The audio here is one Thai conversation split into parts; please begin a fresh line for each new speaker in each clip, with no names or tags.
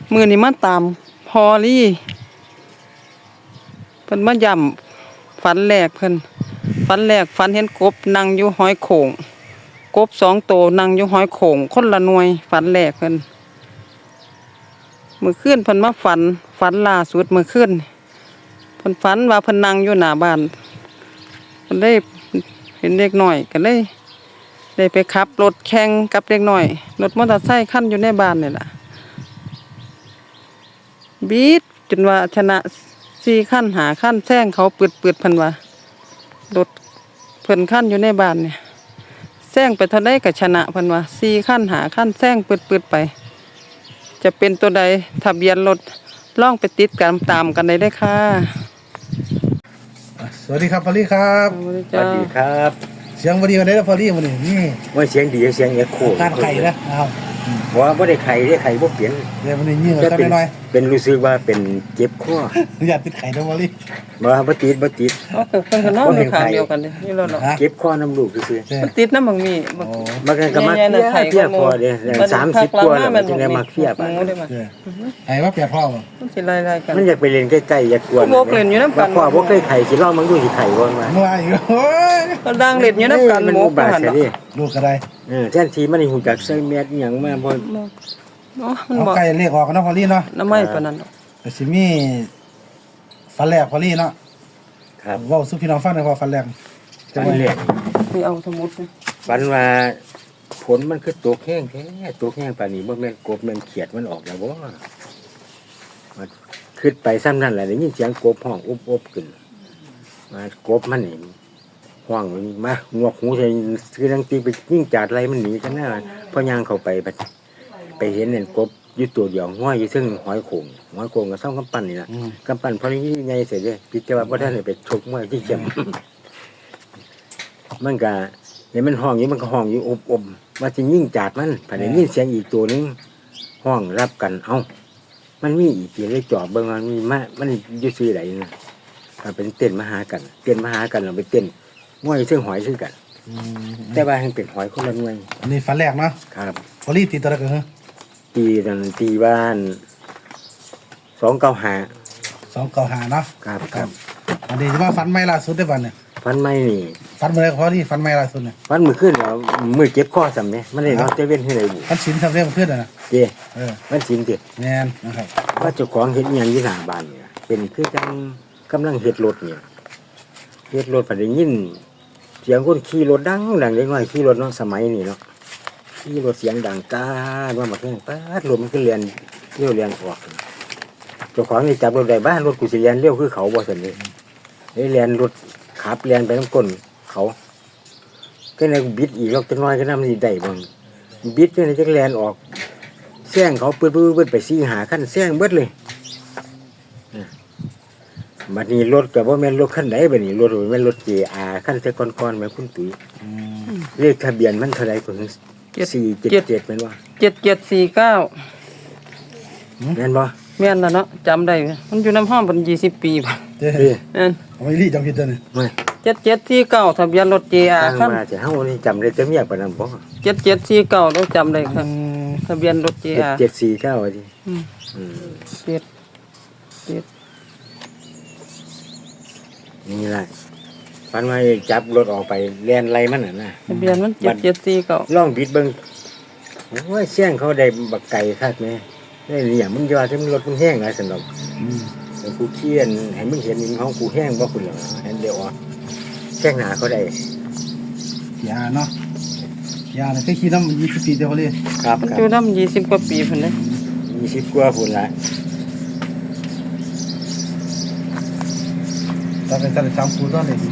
มื้อนี้มาตามพอลี่เพิ่นมาย้ำฝันแรกเพิ่นฝันแรกฝันเห็นกบนั่งอยู่หอยโข่งกบ2 ตัวนั่งอยู่หอยโข่งคนละหน่วยฝันแรกเพิ่นมื้อคืนเพิ่นมาฝันล่าสุดมื้อคืนเพิ่นฝันว่าเพิ่นนั่งอยู่หน้าบ้านเพิ่นได้เห็นเด็กน้อยก็เลยได้ไปขับรถแข่งกับเด็กน้อยรถมอเตอร์ไซค์คันอยู่ในบ้านนี่ล่ะบีดจนว่าชนะ4 คัน5 คันแซงเขาปืดเพิ่นว่ารถเพิ่นคันอยู่ในบ้านเนี่ยแซงไปเท่าใดก็ชนะเพิ่นว่า4 คัน5 คันแซงปืดไปจะเป็นตัวใดทะเบียนรถลองไปติดกันตามกันได้เด้อค่ะ
สวัสดีครับพอลลี่ครับ
สวัสดีครับ
เสียงวันดีวันนี้นะพอลลี่วันนี้นี่
ว่าเสียงดีเสียงเอ็กโค
การไข่นะครับ
ว่าไม่ได้ไข่ได้ไข่บ่เปลี่ยน
เดี๋ยววันนี้ยิ่งกว่า
จะ
กัน
เป็น
หน่อย
เป็นรู้สึกว่าเป็นเจ็บคอ
อยากติดไข่นะพอลลี่
บ่ติด
เพิ่นก็นอนอยู่ข้างเดียวกันเลยนี่รถเนาะ
ฮะ
เจ็บคอน้ำลูกซื่อ
ใช่
มันติดน้ำบางมีบาง
โอ้
มันก็มาเพี้ยคอเด้30กว่าแล้วมันจะได้มาเพี้ย
หมูได้มา
ใช่ไอ้ว่าเปียกพ่อป่ะ
มันสิไล่ๆกัน
มันอยากไปเล่นใกล้ๆอยากกวน
พวกเล่นอยู่นำกัน
พ่อบ่เคยไข่สิลองมันดูสิไข่บ่มา
เมื่อวานอีกโอ้ย
ก็ดังเล่นอยู่นำกัน
มัน
หมู
อุบาท
หั่น
ซะ
ดอก
ดิ
ลูกกระได
แท้ทีมันฮู้จักใส่แมสอีหยังมาบ่
เนาะมัน
เอา
บ่
ไก่เรียกออกกันนะพอลลี่เนาะ
น้ำไม้ปานนั้นดอก
แต่สิมีฟันแรกพอลลี่เนาะ
ครับ
ว่าสุพี่น้องฟังในพอฟันแรก
ฟันเลี้ยง
นี่เอาสมุดนี่
ฟันว่าผลมันคือตกแห้งแท้ตกแห้งปานนี้บ่แม่นกบแม่นเขียดมันออกแล้วบ่มันขึ้นไปซ้ำนั่นแหละได้ยินเสียงกบห้องอบขึ้นมากบมันนี่ห้องมันมางวกหูใส่คือดังตีไปยิ่งจาดไรมันหนีกันหน้าพอย่างเข้าไปไปเห็นเนี่ยกบอยู่ตัวเดียวห้อยอยู่ซึ่งหอยโข่งก็ซ่อมกำปั้นนี่นะกำปั้นพอนี้ใหญ่เสร็จเลยพิจารณาว่าท่านไปชกมวยที่เจ็บ มันก็เห็นมันห้องอยู่มันก็ห้องอยู่อบว่าจะยิ่งจาดมันผ่านยิ่งเสียงอีกตัวนึงห้องรับกันเอ้ามันมีอีกทีเลยจอบเบิ่งมันมีมันอยู่ซื้อไหนนะเป็นเต้นมาหากันเราไปเต้นมวยซึ่งหอยซึ่งกัน แต่ว่าให้เป็นหอยคนละหน่วย
อันนี้ฟันแรกเนาะ
ครับ
พอลลี่ตีตัวละกันเหรอ
ตีบ้าน295
295เนาะ
ครับ
อันนี้จะว่าฟันไม่ล่าสุดได้ป่ะเนี่ย
ฟันไม่นี่
ฟันเมื่อไรพอลลี่ฟันไม่ล่าสุดเนี่ย
ฟันมือขึ้นแล้วมือเจ็บข้อสำเนี่ยมันเลยเนาะเจเว้นให้ไรบุ
ฟันชิ้นทำเรื่องเพื่อนนะ
เจ้
เออ
มันจริงเจ้
แน่นนะครับ
ว่าเจ้าของเห็ดอหย่างยี่หน้าบ้านเนี่ยเป็นคือจังกำลังเห็ดรถเนี่ยเห็ดรถผ่านได้ยินเสียงคนขี่รถดังเล็กน้อยขี่รถเนาะสมัยนี้เนาะขี่รถเสียงดังก้าว่ามาแข่งป้ารถมันก็เรียนเออกเจ้าของนี่จับรถได้บ้านรถกูสิเรียนเร็วคือเขาบ่สนเลยเรียนรถขับเรียนไปน้ำก้นเขาก็เลยบิดอีกรอบจังน้อยก็น้ำสีได้บ้างบิดก็เลยจะเรียนออกแซงเขาเปิดไป4-5 ขั้นแซงเบิดเลยบัดนี้รถกับว่าแม่นรถขั้นไหนบัดนี้รถแม่นรถ JR ขั้นแต่ก่อนๆแม่คุณตุ๋ยเลขทะเบียนมันเท่าไรคน477แม่นบ่
7749
แม่นบ่
แม่นแล้วเนาะจำได้มันอยู่น้ำห้องเป็น20 ปีป่ะ
เจ้
เอ้ย
นั่น
เอาไม่รีจำผิดตัวเนี่ย
ไม่
7749ทะเบียนรถ JR
ตั้ง
คัน
มาจะเฮานี่จำได้แต่เมียปานนั้นบ่
7749เราจำได้ครับทะเบียนรถ JR
7749ว่าติ
อืม
อืม
เจ็ดเจ็ด
นี่ล่ะปันมาจับรถออกไปแล่นไล่มันน่ะนะ
ทะเบียนมัน7749
ลองบิดเบิ่งโอ้ยเสียงเขาได้บักไก่คักแม่ได้เนี่ยมึงอย่าที่มันรถมันแห้งนะสนอกแต่กูเคียนให้มึงเห็นมึงของกูแห้งบ่คุณหรอกเห็นเดี๋ยวอ่ะแจ้งหนาเขาได้
ยาเนาะยาเนี่ยเคยขี่น้ำ20 ปีเดียวพอลลี่
ครับ
มัน
ครั
อยู่น้ำ20 กว่าปีพุ่นเด้
20 กว่าพุ่นละ
ตอนเป็นสัตว์สามคูตอนไหนดี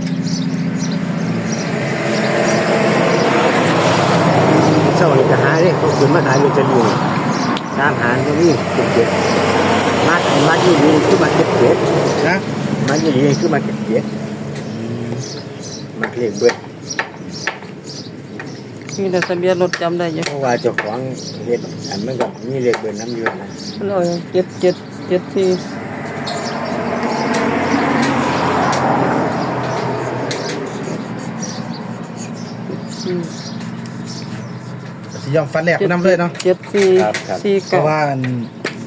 เช้านี่จะหาเด้เขาขึ้นมาขายลอตเตอรี่ตามหาตรงนี้เก็บมาอยู่นี่คือมาเก็บ
นะ
มาอยู่นี่คือมาเก็บมาเลขเบิด
มีแต่ทะเบียนรถจำได้อยู่
เพราะว่าเจ้าของเฮ็ดอันมันก็มีเลขเบิดน้ำอยู่นะ
มันเอา7774
สิยอมฟันแรกไปน้ำเลยเนาะ
7449
เพราะว่า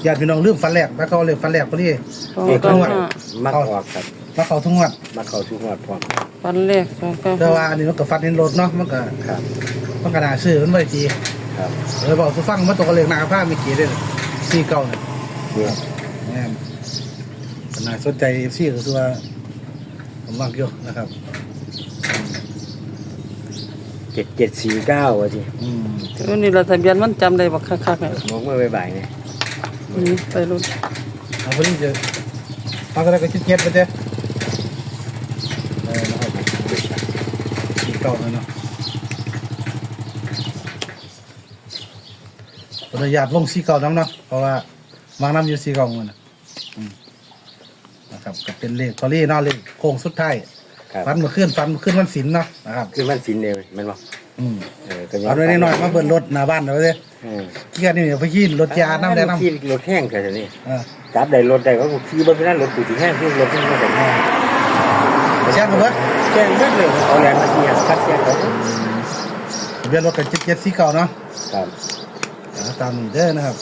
ญาติพี่น้องลืมฟันแรกแล้วเขาเลยฟันแรกพอดี
สอง
เด็ก
เก้า
ทุกงวด
ห้า
มักออกครับ
มาเขาทุกงวด
มักเข้าทุกงวดพร้อม
ฟันเลขสองเก้า
แต่ว่าอันนี้มันก็ฟันในรถเนาะมันก็
ครับ
มันก็น่าซื้อมันไม่ดี
ครับ
เลยบอกสุฟังมันตกกระเลงหนาผ้าไม่กี่เด้อซี่เก่าเนี่ย
เนี่ย
แม่นก็น่าสนใจซี่ก็คือว่าผมมักอยู่นะครับ
7749ว่าสิ
วันนี้เราทะเบียนมันจำได้บ่คักๆเนี่ย
มองเมื่อบ่ายๆเนี่ย
ไปรุ่น
เอาพอดีจะเอาอะไรก็เจ็ดไปเจ้นะครับซี่เก่าเลยเนาะผมอยากลงซี่เก่าน้ำเนาะเพราะว่าวางน้ำอยู่ซี่เก่าเงินนะครับก็เป็นเลขพอลี่เนาะเลขโค้งสุดท้าย
ครับ
ฟันมาขึ้นวันศิลเนาะนะครับ
คือมันสินเดียวแม่นบ่ ก็ยัง
เอาไว้น้อยๆมาเบิดรถหน้าบ้านเอาไว้เลย เกี่ยนี่เดี๋ยวไปขี่รถยาน้ำแดงน้ำ
ขี่รถแห้งแค่นี้
เออ
จับได้รถได้ก็ขี่เบิ่งนั้นรถกูสิแห้งที่รถที่มันก็แห้ง
ไปแช่งกันเบิด
แจ้งเบิดเลยเอาแรงมาเสียคัดเสียเขา
ทะเบียนรถเป็น77สีเก่าเนาะ
ครับ
ตามนี้เด้อนะครับ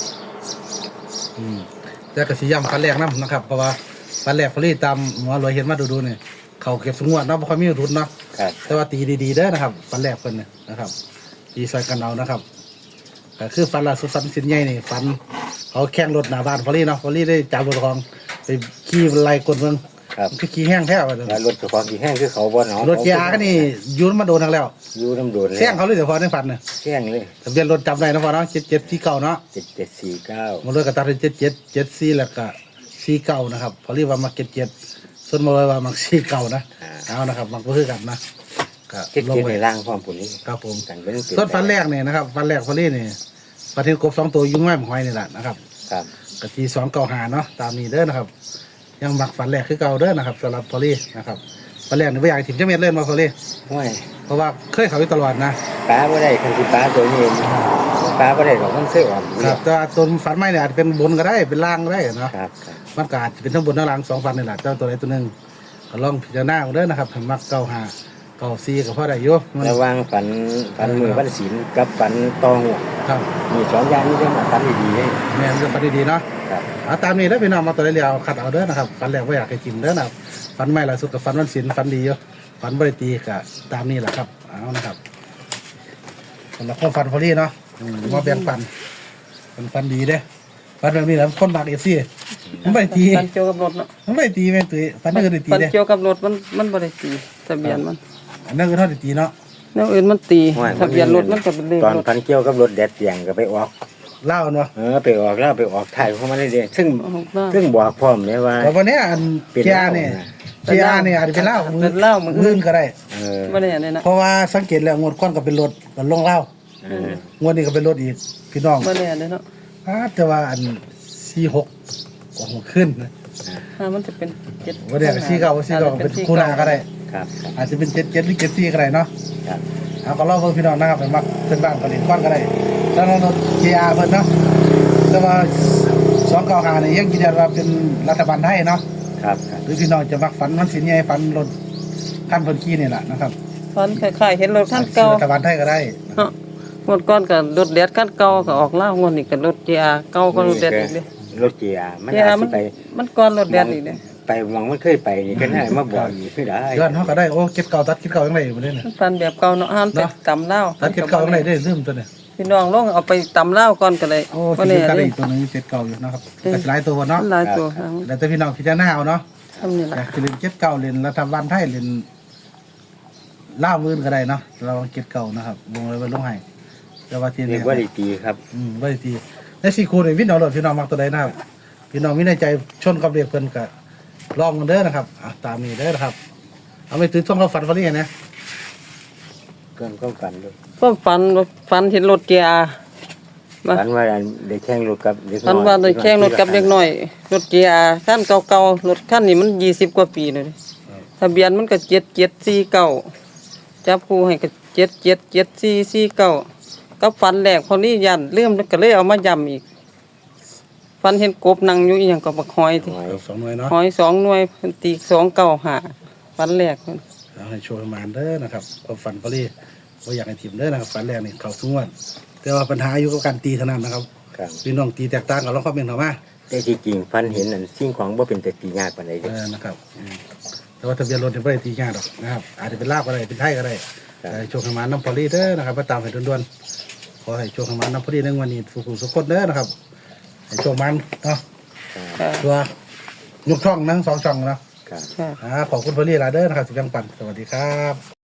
แต่ก็สิย้ำฟันแรกน้ำนะครับ เพราะว่าฟันแรกพอลี่ตามหมอรวยเห็นมาดูๆเนี่ยเขาเก็บสงวนเนาะบ่ค่อยมีทุนเนาะ
ครับ
แต่ว่าตีดีๆเด้อนะครับฟันแรกเพิ่นเนี่ยนะครับตีใส่กันเอานะครับก็คือฟันล่าสุดฟันสินใหญ่นี่ฟันเขาแข่งรถหน้าบ้านพอลี่เนาะพอลี่ได้จับรถของไปขี่ไล่กดเมือง
ครับ
คือขี่แห้งแท้ว่าเด้อ
แล้วรถเจ้าของสิแห้งคือเขาบ่เนาะ
รถเกียร์ก็นี่ยูนมาโดนทั้งแล้ว
อยู่น้ำโดนเลย
แซงเขาเลยเดี๋ยวพอได้ฟันเนี่ย
แห้งเลย
ทะเบียนรถจำได้นะพอเนาะ77สีเก่าเนาะ
7749
มาเลยก็ตัดเป็น7774แล้วก็สีเก่านะครับพอเรียกว่ามา77ส่วนมาเลยว่ามักสีเก่านะเอานะครับมักบ่คือกันนะก็
เจ็ด
ลง
เจ็ด
ไป
ในร่างความปุ่นนี้
ครับผม
กันเป็น
ส่วนฟันแรกเนี่ยนะครับฟันแรกพอเรียนี่ปลาเทศกบ2ตัวยุ่งง่ายหอยนี่แหละนะครับ
ครับ
กะที295เนาะตามนี้เด้อนะครับ ยังมักฟันแรกคือเก่าเด้อนะครับสำหรับพอเรียนะครับฟันแรกนี่บ่อยากให้ถิ่มจังเม็ดเล่นมาพอเรีย
ห้วย
เพราะว่าเคยเขาอยู่ตลอดนะ
ป้าบ่ได้คันสิป้าตัวนี้เองป้าบ่ได้หรอกมันเคยออก
ครับแต่ว่าตัวฝันไม่เนี่ยอาจจะเป็นบนก็ได้เป็นล่างก็ได้เนาะ
ครับครับ
มันก็อาจจะเป็นทั้งบนทั้งล่าง2ฝันนี่แหละเจ้าตัวใดตัวหนึ่งก็ลองพิจารณาเอาเด้อนะครับถ้ามัก95 94ก็พอได้อยู่มัน
ระหว่างฝันมือวันศีลกับฝันตองหัว
ครับ
มีสองอย่างนี้จะมาฝันดีๆเลย
แม่นจะฝันดีๆเนาะ
ครับ
เอาตามนี้เด้อพี่น้องมาตัวใดเดียวคัดเอาเด้อนะครับฝันแรกบ่อยากให้กินเด้อนะครับฝันไม่ล่าสุดกับฝันวันศีลฝันดีอยู่ฝันบ่ได้ตีก็ตามนี้แหละครับเอานะครับสำหรับคนฝันพอลี่เนาะมาแบ่งปันเป็นฝันดีเด้อฝันแบบนี้แหละคนมัก FC มันบ่ได้ตี
ฟันเกี่ยวกับรถเนาะ
มันไม่ได้ตีแม่นตุ้ยฟันนั่นก็ได้ตี
ฟัน
เด้
เกี่ยวกับรถมันบ่ได้ตีทะเบียนมัน
อันนั้นก็เท่าได้ตีเนาะ
แนวอื่นมันตีทะเบียนรถมันก็เป็นเลข
ตอน
รถ
ฝันเกี่ยวกับรถแดดเตียงก็ไปออก
เล่าเนาะ
ไปออกแล้วไปออกถ่ายของมันได้เด้ซึ่ง
ออกมา
ซึ่งบอกพร้อมเลยว่า
แต่วันเนี้ยอัน
เป็น
เกีย
เหล้า
ร์เนี่ย
นะ
เกียร์เนี่ยอาจจะเป็นเหล้า
เป็นเหล้ามืออื่น
ก็ได้
บ่ได้อันนี้นะ
เพราะว่าสังเกตแล้วงวดก้อนก็เป็นรถก็ลงเหล้า งวดนี้ก็เป็นรถอีกพี่น้อง
บ่ได้อันนี้เนาะ
แต่ว่าอัน46โอ้โหขึ้นนะ
ถ้ามันจะเป็น7
วันเนี้ย49เป็นคู่หน้าก็ได้
ครับ
อาจจะเป็น77หรือ74ก็ได้เนาะ
ครับ
เอาก็เล่าเพิ่นพี่น้องนะครับเป็นมักเป็นบ้านก็เล่นก้อนก็ได้แล้วรถเกียร์เพิ่นเนาะแต่ว่า295นี่ยังยืนยันว่าเป็นรัฐบาลไทยเนาะ
ครับครับ
หรือพี่น้องจะมักฝันมันสินใหญ่ฝันรถขั้นเพิ่นขี่นี่แหละนะครับ
ฟันคล้ายๆเห็นรถคันเก่า
รัฐบาลไทยก็ได้
เนาะงวดก่อนก็รถแดดคันเก่าก็ออกล่างวดนี้ก็รถ GR เก่าก็รถแดดอีกเด้
รถเจียมัน
GR
อาจ
มั
สิ
น
ไป
มันก่อนรถแดดอีกเด้
ไปมองมันเคยไปนี่ก็น่ามาบอกอีกคือได้
ย้อนเฮาก็ได้โอ้เก็บเก่าตัดเก็บเก่าจังไดอยู่บ่ได้น่ะ
มันฟันแบบเก่าเนาะห้ามไปตำเล่าว
ตัดเก็บเก่าจังไดได้ลืมตัวเนี่ย
พี่น้องลองเอาไปตำเล่าวก่อนก็ได้
โอ้
บ่
ที่
แน่
ก็ได้
เด้
อีกตัวหนึงเก็บเก่าอยู่นะครับก็หลายตัวเนาะ
มันหลายตัวทั้ง
แล้วแต่พี่น้องพิจารณาเอาเนาะ
ทำนี่ล่ะ
อยากสิเล่นเก็บเก่าเล่นรัฐบาลไทยเล่นลาวมื้อก็ได้เนาะเราเก็บเก่านะครับวงเลยไว้ลงให้แต่ว่าที่
เรี
นี่
ยกว่าดีตีครับ
บ่ได้ตีใน4คู่นี่วินเอาโลดพี่น้องมักตัวใดนะครับพี่น้องมีในใจชนกับเรียกเพิ่นก็ลองกันเด้อนะครับตามนี้เด้อนะครับเอาไปตื้อท่องเขาฝันฝันนี่นะ
เกินก็ฝันด้วย
ก็ฟันเห็นรถ GR มา
ฝันว่าได้แข่งรถกับเด็กน้อย
ฟันว่าได้แข่งรถกับเด็กน้อยรถ GR คันเก่าๆรถคันนี้มัน20กว่าปีเลยทะเบียนมันก็7749จับคู่ให้ก็777449กับฟันแรกพอนี้ยันลืมแล้วก็เลยเอามาย้ำอีกฟันเห็นกบนั่งอยู่อีหยังก็บักหอยที่
หอย
2หน่วยเนาะ
หอย2หน่วยเพิ่นตี295ฟันแรกเพิ่น
เอาให้โชว์ประมาณเด้อนะครับความฝันพอดีบ่อยากให้ทีมเด้อนะครับฝันแรกนี่เข้าสงวนแต่ว่าปัญหาอยู่กับการตีเท่านั้นนะครับ
ครับ
พี่น้องตีแตกต่างกันลองคอมเมนต์เข้ามา
แต่ที่จริงฟันเห็นนั่นสิ่งของบ่เป็นแต่ตียากปานใดเด้อ
นะครับแต่ว่าทะเบียนรถเนี่ยไม่ได้ตีง่ายหรอกนะครับอาจจะเป็นลาบก็ได้เป็นไทยก็ได้
ครับ
โชคให้มาน้ำพอลี่เด้อนะครับมาตามให้ด่วนๆขอให้โชคให้มาน้ำพอลี่ในวันนี้สุขสุขคนเด้อนะครับให้โชคมันเนาะ
ค่ะ
ตัวยกช่องนะ2 ช่องเนาะ
ครับ
ค่ะ
ขอบคุณพอลี่หลายเด้อนะครับสิบยังปั่นสวัสดีครับ